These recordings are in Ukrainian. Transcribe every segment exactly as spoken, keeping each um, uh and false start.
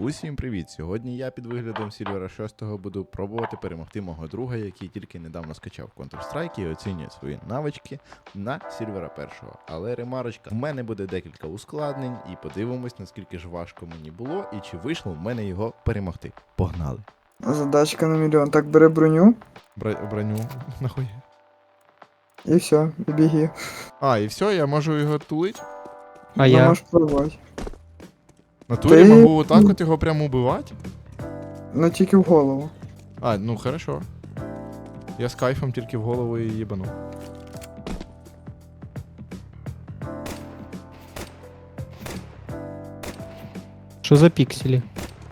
Усім привіт! Сьогодні я під виглядом Сільвера шостого буду пробувати перемогти мого друга, який тільки недавно скачав Counter-Strike і оцінює свої навички на Сільвера першого. Але ремарочка, в мене буде декілька ускладнень і подивимось, наскільки ж важко мені було і чи вийшло в мене його перемогти. Погнали! Задачка на мільйон. Так, бери броню Бра броню нахуй. і все, і біги. А, і все, я можу його тулить? А Ну, я? можеш пробувати. На турі Ти- можу отак от його прямо убивати? Ну тільки в голову. А, ну хорошо. Я з кайфом тільки в голову і їбану. Що за пікселі?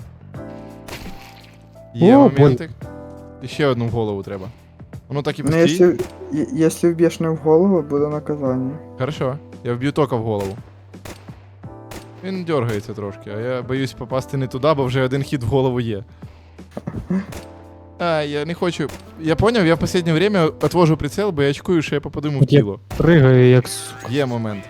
Є О, моментик. І ще одну в голову треба. Воно так і Ну, постій. якщо, і- якщо вб'єш не в голову, буде наказання. Хорошо. Я вб'ю тока в голову. Він дергається трошки, а я боюсь попасти не туди, бо вже один хід в голову є. А, я не хочу. Я поняв, я в останнє время отвожу прицел, бо я очкую, що я попаду йому в От я- тіло. Пригаю як сука. Є момент.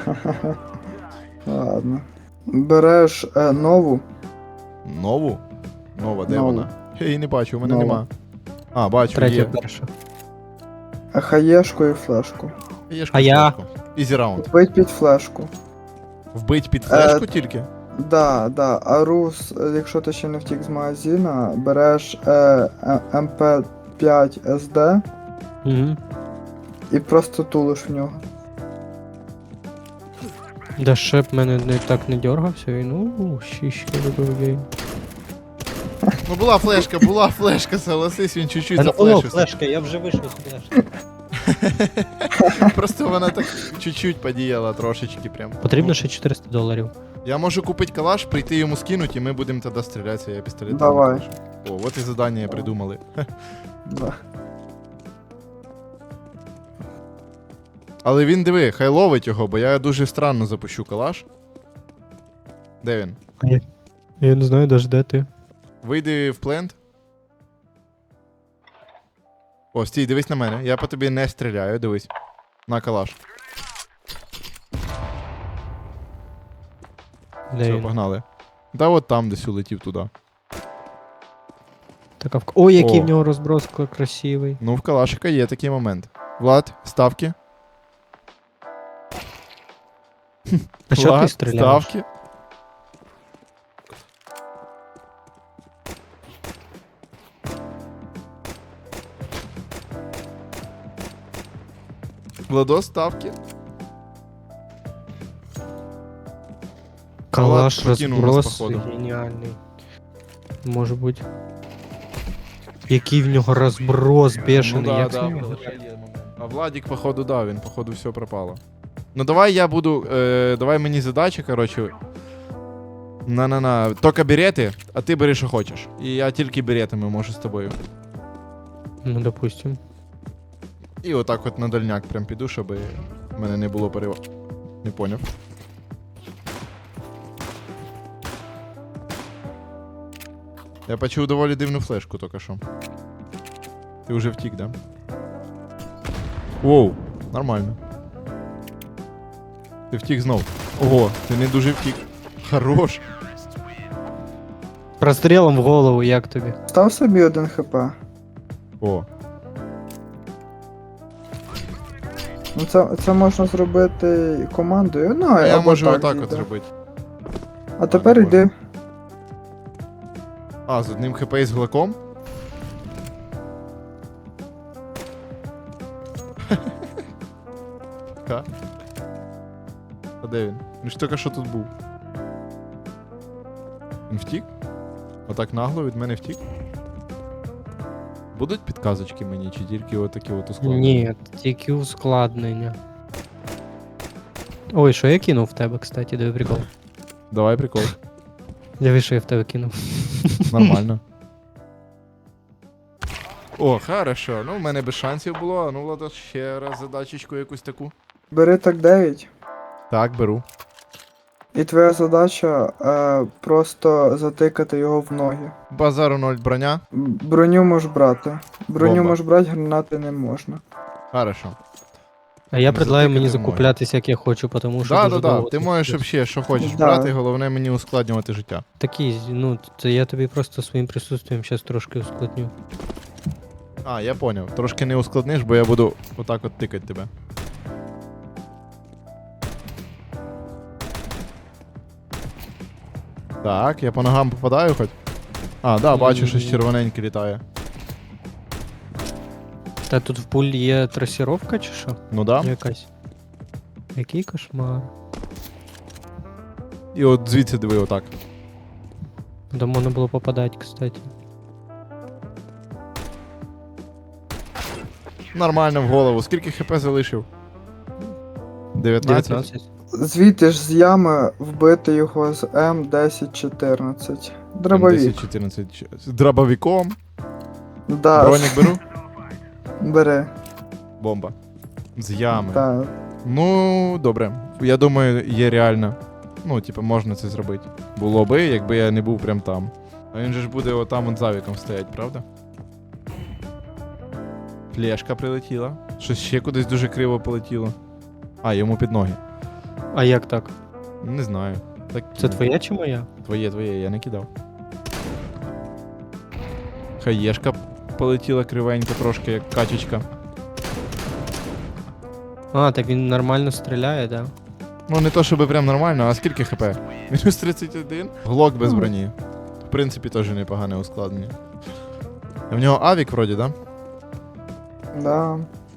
Ладно. Береш е, нову. Нову? Нова, де Нову. вона? Я її не бачу, у мене Нова. нема. А, бачу, Третя є. перша. е, Хаєшку і флешку. Є А я? Ізі раунд. Вбить під флешку. Вбить під флешку Е, тільки? Да, да. А рус, е, якщо ти ще не втік з магазина, береш е, е, ем пі п'ять ес ді Угу. і просто тулиш в нього. Да ще б мене не так не дергався, він ууу, щічки любив гей. Ну була флешка, була флешка, согласись, він чуть-чуть Та не було зафлешився. флешка, я вже вийшов з флешки. Просто вона так чуть-чуть подіяла трошечки прям. Потрібно ще чотириста доларів. Я можу купити калаш, прийти йому скинуть, і ми будемо тоді стрілятися, я пістолет. Давай. О, от і задання придумали. Да. Але він диви, хай ловить його, бо я дуже странно запущу калаш. Де він? Я не знаю навіть де ти. Вийди в плент. О, стій, дивись на мене. Я по тобі не стріляю, дивись. На калаш. Де Все, він? погнали. Та от там десь улетів туди. Така в... Ой, який О. в нього розброс красивий. Ну, в калашика є такий момент. Влад, ставки. А що ти Влад, стріляєш? ставки. Владос, ставки. Калаш Влад покинув нас, розброс походу. геніальний. Може бути. Який в нього розброс бешений, Ну да, як да, з нього? Влада, є момент. А Владик, походу, да, він, походу, все пропало. Ну давай я буду. Е, давай мені задача, коротше. На-на-на. Тільки берети, а ти бери, що хочеш. І я тільки беретами можу з тобою. Ну, допустим. І отак от на дальняк прям піду, щоб в мене не було перева. Не поняв. Я почув доволі дивну флешку тільки що. Ти вже втік, да? Воу, нормально. Ти втік знов. Ого, ти не дуже втік. Хорош. Прострілом в голову, як тобі? Став собі один хп. О, Ну це, це можна зробити командою. Ну, а я або можу так отак от зійде. зробити. А тепер не йди. А, з одним хп і з глаком? Ка? А де він? Він ж тільки що тут був. Він втік? Отак нагло від мене втік? Будуть підказочки мені, чи тільки отакі от ускладнення? Ні, тільки ускладнення. Ой, що я кинув в тебе, кстати, диви прикол. Давай прикол. Диви, що я в тебе кинув. Нормально. О, хорошо. Ну, в мене без шансів було. А ну, Влада, ще раз задачечку якусь таку. Бери так дев'ять. Так, беру. І твоя задача е, просто затикати його в ноги. Базару ноль броня. М, Броню можеш брати. Броню Бомба. можеш брати, гранати не можна. Хорошо. А я Не предлагаю затикати мені можна. закуплятись, як я хочу, тому що Да, дуже да, да. довго Ти це можеш буде. взагалі, що хочеш Да. брати, головне мені ускладнювати життя. Такий, ну, це я тобі просто своїм присутствием зараз трошки ускладню. А, я поняв. Трошки не ускладниш, бо я буду отак от тикати тебе. Так, я по ногам попадаю хоч. А, да, бачу, щось М. червоненьке літає. Та тут в пулі є трасіровка чи що? Ну да. Якась. Який кошмар. І от звідси диви отак. До можна було попадати, кстати. Нормально в голову. Скільки хп залишив? дев'ятнадцять? дев'ятнадцять. Звідти ж з ями вбити його з М десять чотирнадцять. Дробовик. десять чотирнадцять. З дробовиком. Да, Бронік беру. бери. Бомба. З ями. Так. Ну, добре. Я думаю, є реально. Ну, типу, можна це зробити. Було би, якби я не був прям там. А він же ж буде отам от за віком стоять, правда? Флешка прилетіла. Щось ще кудись дуже криво полетіло. А, йому під ноги. А як так? Не знаю. Так, Це твоя чи моя? Твоє, твоє, я не кидав. Хаєшка полетіла кривенько трошки, як качечка. А, так він нормально стріляє, да? Ну, не то, щоб прям нормально, а скільки хп? Мінус тридцять один. Глок без Ну. броні. В принципі, теж непогане ускладнення. В нього авік вроді, да? Да.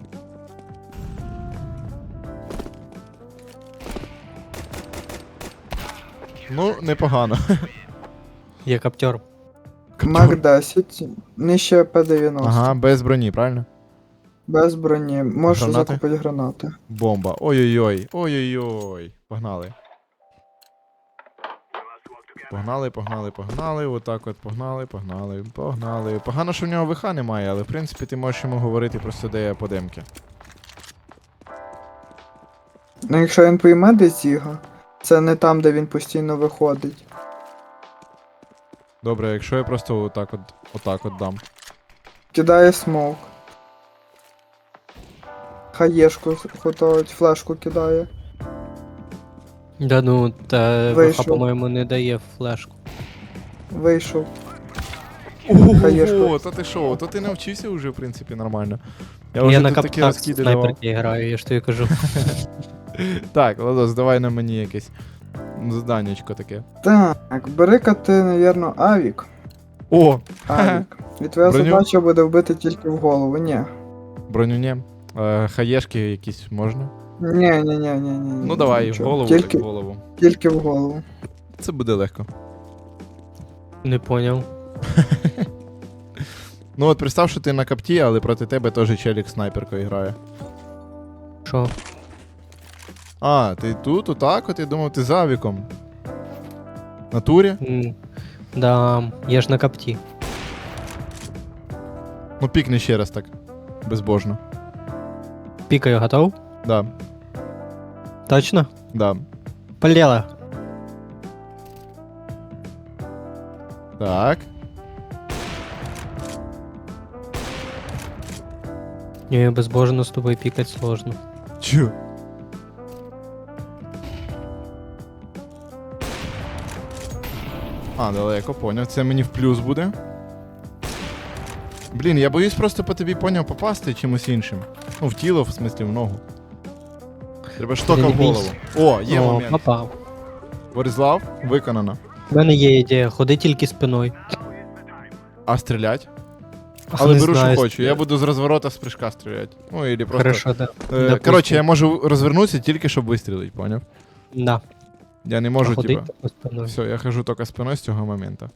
Ну, непогано. Є каптер. Мак десять. Нижче П дев'яносто. Ага, без броні, правильно? Без броні. Можеш Гранати? закупити гранати. Бомба. Ой-ой-ой. Ой-ой-ой. Погнали. Погнали, погнали, погнали. Отак от погнали, погнали, погнали. Погано, що в нього ВХ немає, але в принципі ти можеш йому говорити просто, де я по демки. Ну якщо він пойме десь його, це не там, де він постійно виходить. Добре, якщо я просто отак от, отак от дам. Кидає смок. Хаєшку готовить, флешку кидає. Да ну, та ВХ, Вийшов. по-моєму, не дає флешку. Вийшов. Ого, Хаєшку. та ти що, то ти навчився вже, в принципі, нормально. Я Я, вже на тут такі каптах розкиди давав. снайперки граю, я ж тобі кажу. Так, Ладос, давай на мені якесь заданнячко таке. Так, бери-ка ти, навірно, авік. О! Авік. І твоя Броню? задача буде вбити тільки в голову. Ні. Броню не. Е, хаєшки якісь можна? Ні, ні, ні, ні, ні. Ну давай, в нічого. голову, Тільки, так в голову. тільки в голову. Це буде легко. Не поняв. Ну от представ, що ти на капті, але проти тебе теж челік снайперкою грає. Що? А, ти тут, отак, от я думав, ти за віком. На турі? М, Да, я ж на капті. Ну пікни ще раз так. Безбожно. Пікаю, готов? Да, Точно? да. Полетела. Так. Ні, безбожно з тобою пікати сложно. Чу. А, далеко, поняв. Це мені в плюс буде. Блін, я боюсь просто по тобі поняв попасти чимось іншим. Ну, в тіло, в смислі, в ногу. Треба штока Ти в не голову. О, є О, момент. попав. Борислав, виконано. У мене є ідея, ходи тільки спиною. А стрілять? Ах, Але не беру, знаю, що хочу. Я стріляти. буду з розворота з прыжка стріляти. Ну, і просто. Хорошо, да. Е, Допустим. коротше, я можу розвернутися тільки, щоб вистрілити, поняв? Да. Я не можу, Ходи типа. тільки спиною. Все, я хожу тільки спиною з цього моменту.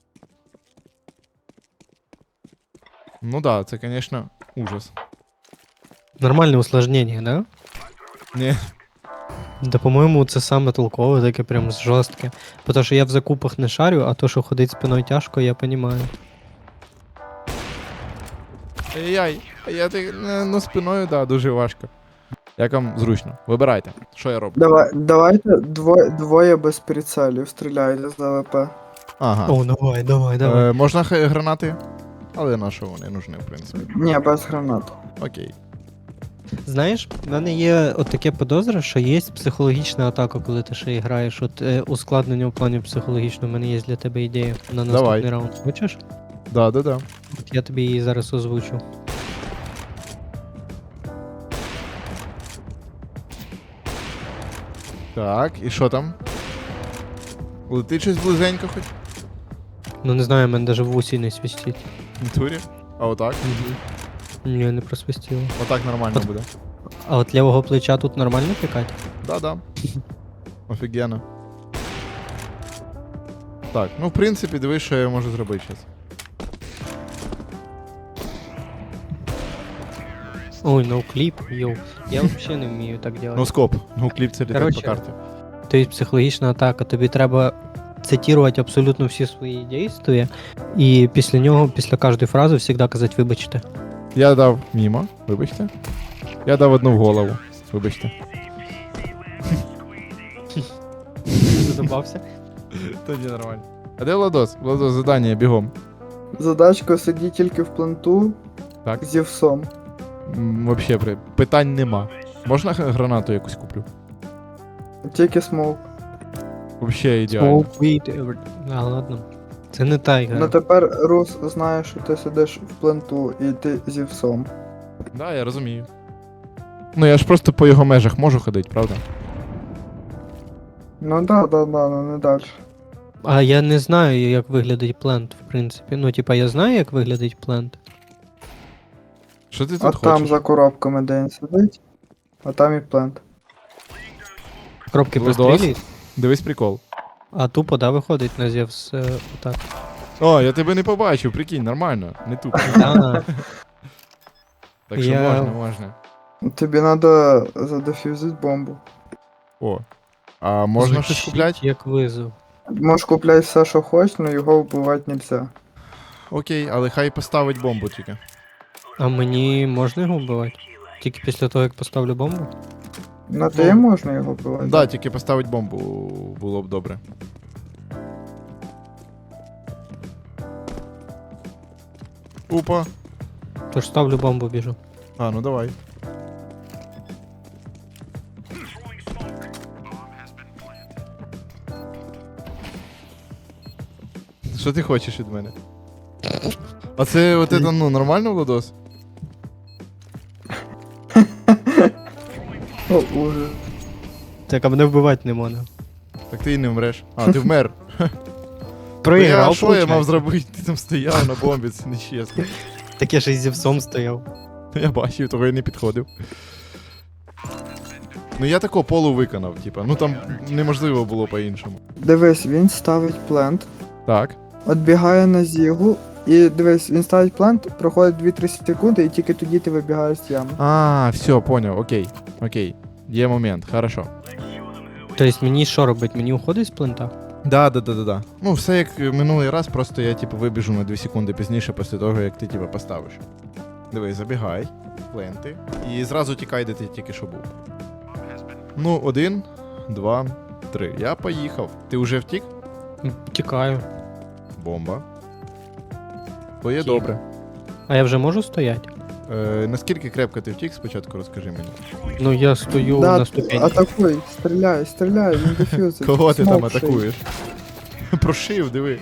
Ну да, це, звісно, ужас. Нормальне усложнення, да? Ні. Да, по-моєму, це саме толкове, таке прям жорстке. Тому що я в закупах не шарю, а то, що ходить спиною тяжко, я понімаю. Ай-яй, я так, ну спиною, да, дуже важко. Як вам зручно? Вибирайте, що я роблю. Давай, давайте двоє, двоє без прицелів стріляйте з АВП. Ага. О, давай, давай, давай. Е, можна хай гранати? Але на що вони нужні, в принципі. Ні, без гранат. Окей. Знаєш, в мене є от таке подозра, що є психологічна атака, коли ти ще граєш. От е, ускладнення в плані психологічного, в мене є для тебе ідея на наступний Давай. раунд. Хочеш? Да, да, да. От я тобі її зараз озвучу. Так, і що там? Летить щось близенько хоч? Ну не знаю, в мене навіть в усі не свистить. В натурі? А отак? Ні, не просвистіло. Отак нормально От. буде. А от лівого плеча тут нормально пікати? Да-да. Офігенно. Так, ну в принципі, дивись, що я можу зробити зараз. Ой, ноукліп, йоу. Я взагалі не вмію так робити. Ну скоп, ну кліп це літак по Короче. карті. Тобто психологічна атака, тобі треба цитувати абсолютно всі свої дійства, і після нього, після кожної фрази, завжди казати вибачте. Я дав мімо, вибачте. Я дав одну в голову, вибачте. Задобався. Тоді нормально. А де Владос? Владос, задання, бігом. Задачка сиді тільки в пленту Так. зі всом. М, Вообще, при- питань нема. Можна х- гранату якусь куплю? Тільки смоук. Вообще ідеально. Smoke weed, every- А, ладно. Це не та ігра. Ну тепер Рус знає, що ти сидиш в пленту і ти зі всом. Да, я розумію. Ну я ж просто по його межах можу ходити, правда? Ну да, да, да, ну не далі. А я не знаю, як виглядить плент, в принципі. Ну, типа, я знаю, як виглядить плент. Що ти тут А там хочеш? за коробками де він сидить, а там і плент. Кропки Лудос. прострілюють, Дивись прикол. а тупо, да, виходить на Зевс е, отак. О, я тебе не побачив, прикинь, нормально, не тупо. Да. Так що Я- можна, можна. Тобі треба задефюзити бомбу. О. А можна щось Звучить купляти? Як визов. Можеш купляти все, що хочеш, але його вбивати нельзя. Окей, але хай поставить бомбу тільки. А мені можна його вбивати? Тільки після того, як поставлю бомбу? На те можна його вбивати. Да, тільки поставить бомбу було б добре. Опа. Тож ставлю бомбу, біжу. А, ну давай. Що ти хочеш від мене? А це от это, ну, нормально, Владос? О, ужас. Так, а мене вбивати не можна. Так ти і не вмреш. А, ти вмер. Ну, я, Проіграв, що я мав получається. зробити? Ти там стояв на бомбі, це нечесно. Так я ж із Зевсом стояв. Я бачив, того я не підходив. Ну я тако полу виконав, типа, ну там неможливо було по-іншому. Дивись, він ставить плент, Так. відбігає на зігу, і дивись, він ставить плент, проходить дві-три секунди, і тільки тоді ти вибігаєш з ями. А, все, поняв, окей. Окей. Є момент, хорошо. Тобто мені що робить? Мені уходить з плента? Да, да, да, да, да. Ну, все як минулий раз, просто я типу вибіжу на дві секунди пізніше після того, як ти типу поставиш. Дивись, забігай, пленти, і зразу тікай, де ти тільки що був. Ну, один, два, три. Я поїхав. Ти вже втік? М, Тікаю. Бомба. То є Втік. добре. А я вже можу стояти? Е, наскільки крепко ти втік, спочатку розкажи мені. Ну я стою Да, на ступені. атакуй, стріляй, стріляй, він дефюзить. Кого ти там Смок шиє. атакуєш? Прошив, диви.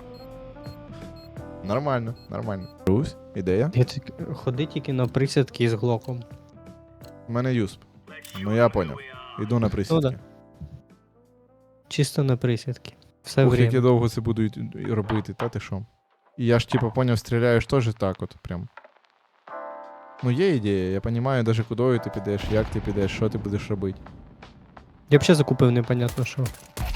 Нормально, нормально. Русь, ідея. Я тільки- ходи тільки на присядки з глоком. У мене юсп. Ну я поняв. Іду на присідки. Ну да. Чисто на присядки. Все Ух, як я время. довго це буду й- й- робити, та ти що? І я ж типу поняв, стріляєш теж так от прям. Ну є ідея, я розумію даже кудою ти підеш, як ти підеш, що ти будеш робити. Я взагалі закупив непонятно що.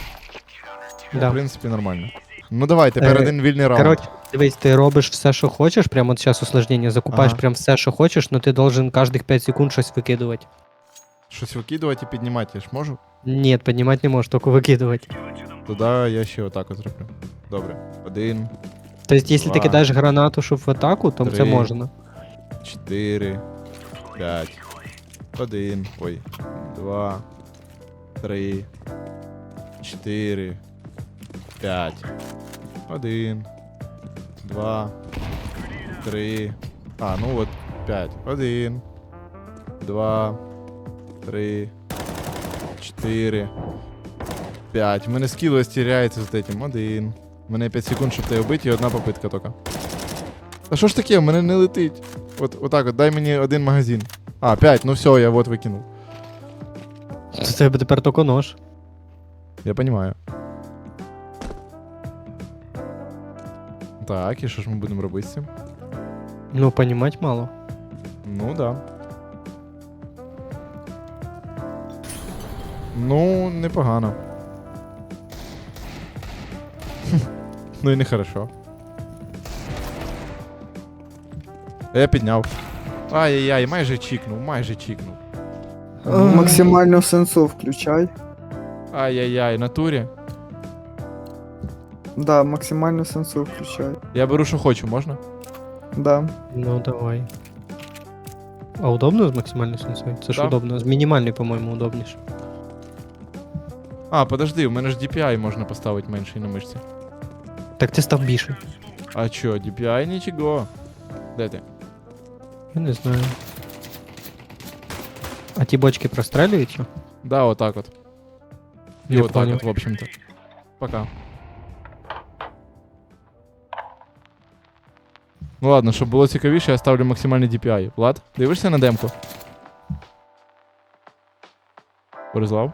В Да. принципі, нормально. Ну давай, тепер Е, один вільний раунд. Коротше, дивись, ти робиш все, що хочеш, прямо от зараз усложнення, закупаєш Ага. прям все, що хочеш, але ти должен кожних п'ять секунд щось викидувати. Щось викидувати і піднімати я ж можу? Ні, піднімати не можеш, тільки викидувати. Тоді я ще отак от зроблю. Добре. Один, Тобто, якщо ти Два. кидаєш гранату, щоб в атаку, то це Три. можна. чотири, п'ять, один, ой, два, три, чотири, п'ять, один, два, три, а, ну от, п'ять, один, два, три, чотири, п'ять. У мене скіл стіряється з этим. Один. У мене п'ять секунд, щоб тебе вбити, і одна попитка тільки. А що ж таке? У мене не летить. От, отак от, дай мені один магазин. А, п'ять, ну все, я вот викинув. Це тебе тепер тільки нож. Я понимаю. Так, і що ж ми будемо робити з цим? Ну, понімать мало. Ну да. Ну, непогано. Ну і не хорошо. Я підняв. Ай-яй-яй, майже чікнув, майже чікнув. Максимальну сенсу включай. Ай-яй-яй, натурі. Да, максимальну сенсу включай. Я беру, що хочу, можна? Да. Ну, давай. А удобно з максимальною сенсою? Це ж Да. удобно. З мінімальною, по-моєму, удобніше. А, подожди, у мене ж ді пі ай можна поставити менший на мишці. Так ти став більше. А чо, ді пі ай нічого. Де ти? Я не знаю. А ті бочки прострелюють? що? Да, отак от. І Я отак понял. от, в общем-то. Пока. Ну ладно, щоб було цікавіше, я ставлю максимальний ді пі ай. Влад, дивишся на демку? Борислав?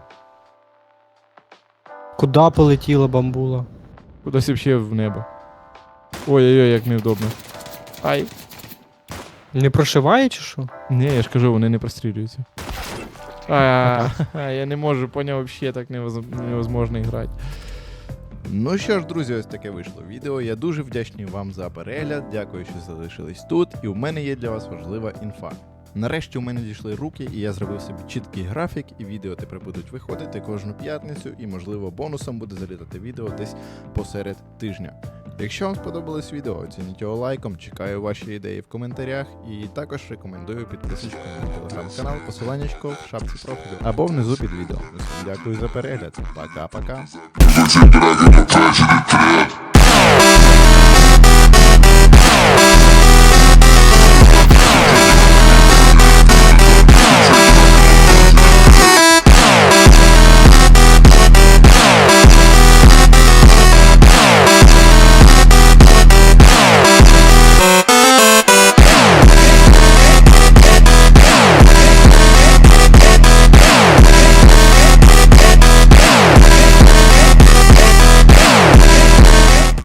Куда полетіла бамбула? Кудись вообще в небо. Ой-ой-ой, як невдобно. Ай. Не прошиває чи що? Ні, я ж кажу, вони не прострілюються. А, я не можу, поняв, вообще так невоз- невозможно грати. Ну що ж, друзі, ось таке вийшло відео. Я дуже вдячний вам за перегляд. Дякую, що залишились тут. І у мене є для вас важлива інфа. Нарешті у мене дійшли руки, і я зробив собі чіткий графік, і відео тепер будуть виходити кожну п'ятницю, і, можливо, бонусом буде залітати відео десь посеред тижня. Якщо вам сподобалось відео, оцініть його лайком, чекаю ваші ідеї в коментарях, і також рекомендую підписочку на мій телеграм-канал, посиланнячко в шапці профілю або внизу під відео. Усім дякую за перегляд. Пока-пока. Tragedy, tragedy, tragedy.